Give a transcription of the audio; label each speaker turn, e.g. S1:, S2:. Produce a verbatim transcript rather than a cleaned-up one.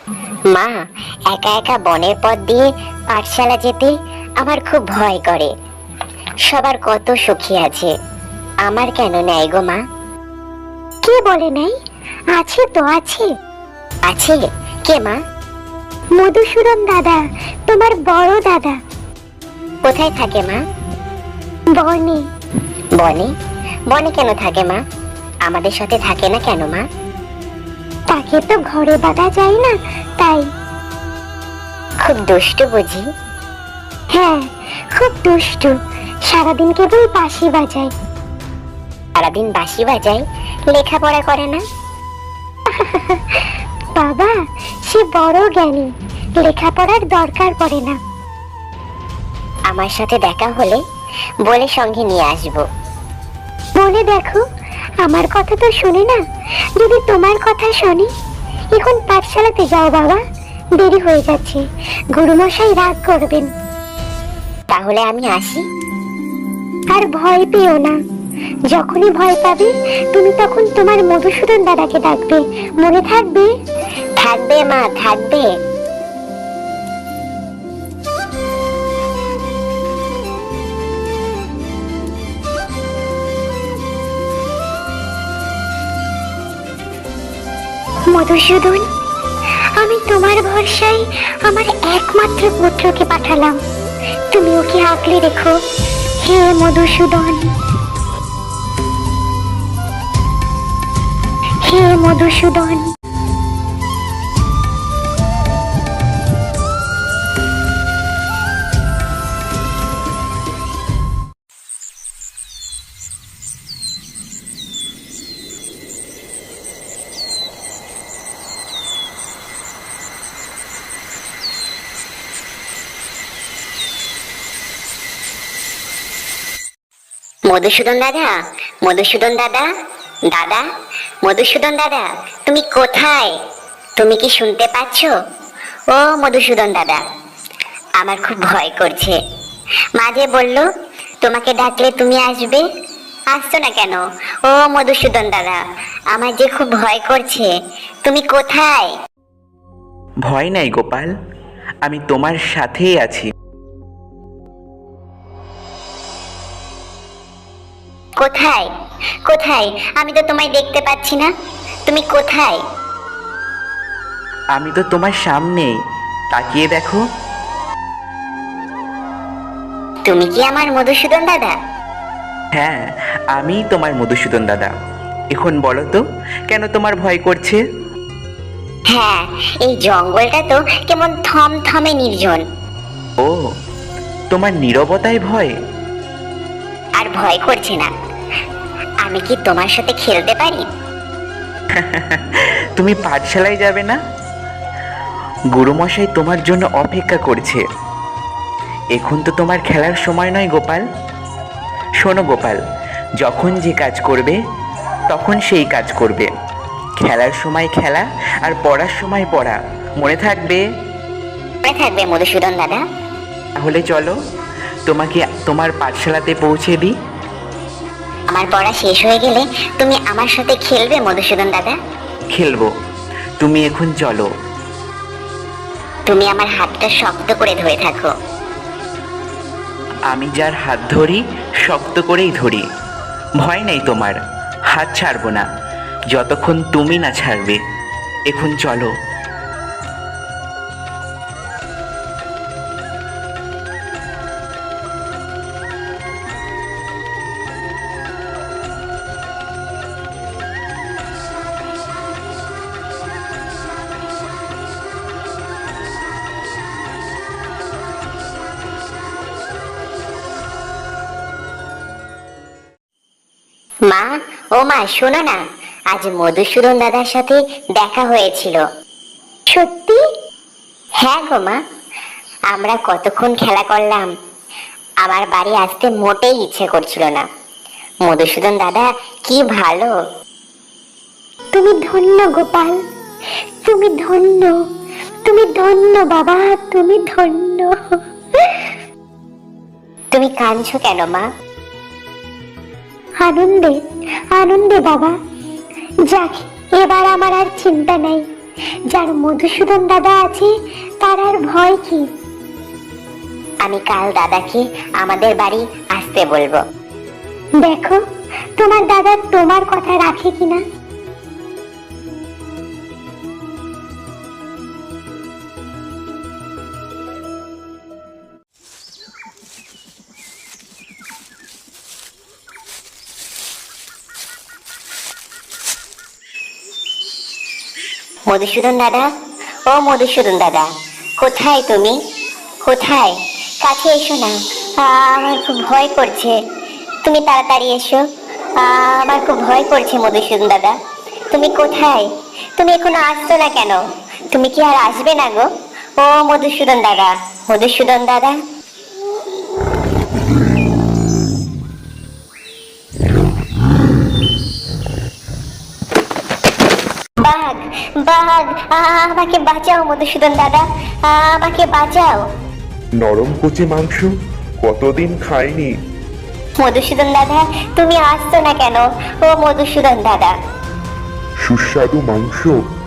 S1: মা, একা একা বনের পথ দিয়ে পাঠশালা যেতে আমার খুব ভয় করে। সবার কত সুখী আছে, আমার কেন নেই গো মা?
S2: কে বলে নাই? আছে তো, আছে।
S1: আছে? কে মা?
S2: মধুসূদন দাদা, তোমার বড় দাদা।
S1: কোথায় থাকে মা?
S2: বনে।
S1: বনে? বনে কেন থাকে মা? আমাদের সাথে থাকে না কেন মা?
S2: তাকে তো ঘরে বাঁধা যায় না, তাই।
S1: খুব দুষ্টু বুঝি?
S2: হ্যাঁ, খুব দুষ্টু। সারাদিন কেবল বাঁশি বাজায়।
S1: সারাদিন বাঁশি বাজায়, লেখাপড়া করে না?
S2: বাবা, সে বড় জ্ঞানী, লেখাপড়ার দরকার পড়ে না।
S1: আমার সাথে দেখা হলে বলে সঙ্গে নিয়ে আসবো।
S2: বলে দেখো, আমার কথা তো শোনে না। যদি তোমার কথা শোনে, এখন পাঠশালাতে যাও বাবা, দেরি হয়ে যাচ্ছে, গুরুমশাই রাগ করবেন।
S1: তাহলে আমি আসি?
S2: আর ভয় পেও না। যখনই ভয় পাবে, তুমি তখন তোমার মধুসূদন দাদাকে ডাকবে, মনে থাকবে?
S1: থাকবে মা, থাকবে।
S2: মধুসূদন, আমি তোমার ভরসায় আমার একমাত্র পুত্রকে পাঠালাম, তুমি ওকে আঁকলে রেখো। হে মধুসূদন, হে মধুসূদন।
S1: মধুসূদন দাদা, মধুসূদন দাদা, দাদা, মধুসূদন দাদা, তুমি কোথায়? তুমি কি শুনতে পাচ্ছ? ও মধুসূদন দাদা, আমার খুব ভয় করছে। মাঝে বললো তোমাকে ডাকলে তুমি আসবে, আসছো না কেন? ও মধুসূদন দাদা, আমার যে খুব ভয় করছে, তুমি কোথায়?
S3: ভয় নাই গোপাল, আমি তোমার সাথেই আছি।
S1: কোথায়? কোথায়? আমি তো তোমায় দেখতে পাচ্ছি না, তুমি কোথায়?
S3: আমি তো তোমার সামনেই, তাকিয়ে দেখো।
S1: তুমি কি আমার মধুসূদন দাদা?
S3: হ্যাঁ, আমি তোমার মধুসূদন দাদা। এখন বলো তো, কেন তোমার ভয় করছে?
S1: হ্যাঁ, এই জঙ্গলটা তো কেমন থমথমে নির্জন।
S3: ও, তোমার নীরবতায় ভয়?
S1: আর ভয় করছে না। আমি কি তোমার সাথে খেলতে পারি?
S3: তুমি পাঠশালায় যাবে না? গুরুমশাই তোমার জন্য অপেক্ষা করছে। এখন তো তোমার খেলার সময় নয় গোপাল। শোনো গোপাল, যখন যে কাজ করবে তখন সেই কাজ করবে। খেলার সময় খেলা, আর পড়ার সময় পড়া, মনে থাকবে?
S1: মনে থাকবে মধুসূদন দাদা।
S3: তাহলে চলো, তোমাকে তোমার পাঠশালাতে পৌঁছে দিই।
S1: আমার পড়া শেষ হয়ে গেলে তুমি আমার সাথে খেলবে মধুসূদন দাদা?
S3: খেলবো, তুমি এখন চলো।
S1: তুমি আমার হাতটা শক্ত করে ধরে থাকো।
S3: আমি যার হাত ধরি শক্ত করেই ধরি। ভয় নেই তোমার, হাত ছাড়বো না যতক্ষণ তুমি না ছাড়বে। এখন চলো।
S1: মা, ও মা, শোনো না, আজ মধুসূদন দাদার সাথে দেখা হয়েছিল।
S2: সত্যি?
S1: হ্যাঁ গো মা, আমরা কতক্ষণ খেলা করলাম। আমার বাড়ি আসতে মোটেই ইচ্ছে করছিল না। মধুসূদন দাদা কি ভালো।
S2: তুমি ধন্য গোপাল, তুমি ধন্য, তুমি ধন্য বাবা, তুমি ধন্য।
S1: তুমি কাঁদছো কেন মা?
S2: আনন্দে, আনন্দে বাবা। যাক, এবার আমার আর চিন্তা নাই। যার মধুসূদন দাদা আছে তার আর ভয় কি?
S1: আমি কাল দাদাকে আমাদের বাড়ি আসতে বলবো।
S2: দেখো তোমার দাদা তোমার কথা রাখে কিনা।
S1: মধুসূদন দাদা, ও মধুসূদন দাদা, কোথায় তুমি? কোথায়? কাছে এসো না, আ, আমার খুব ভয় করছে। তুমি তাড়াতাড়ি এসো, আ, আমার খুব ভয় করছে মধুসূদন দাদা। তুমি কোথায়? তুমি এখনো আসছো না কেন? তুমি কি আর আসবে না গো? ও মধুসূদন দাদা, মধুসূদন দাদা। বাঘ, বাঘ, আ, আমাকে বাঁচাও মধুসূদন দাদা, আ, আমাকে বাঁচাও।
S4: নরম কচি মাংস কতদিন খাইনি।
S1: মধুসূদন দাদা, তুমি আসছো না কেন? ও মধুসূদন দাদা।
S4: সুস্বাদু মাংস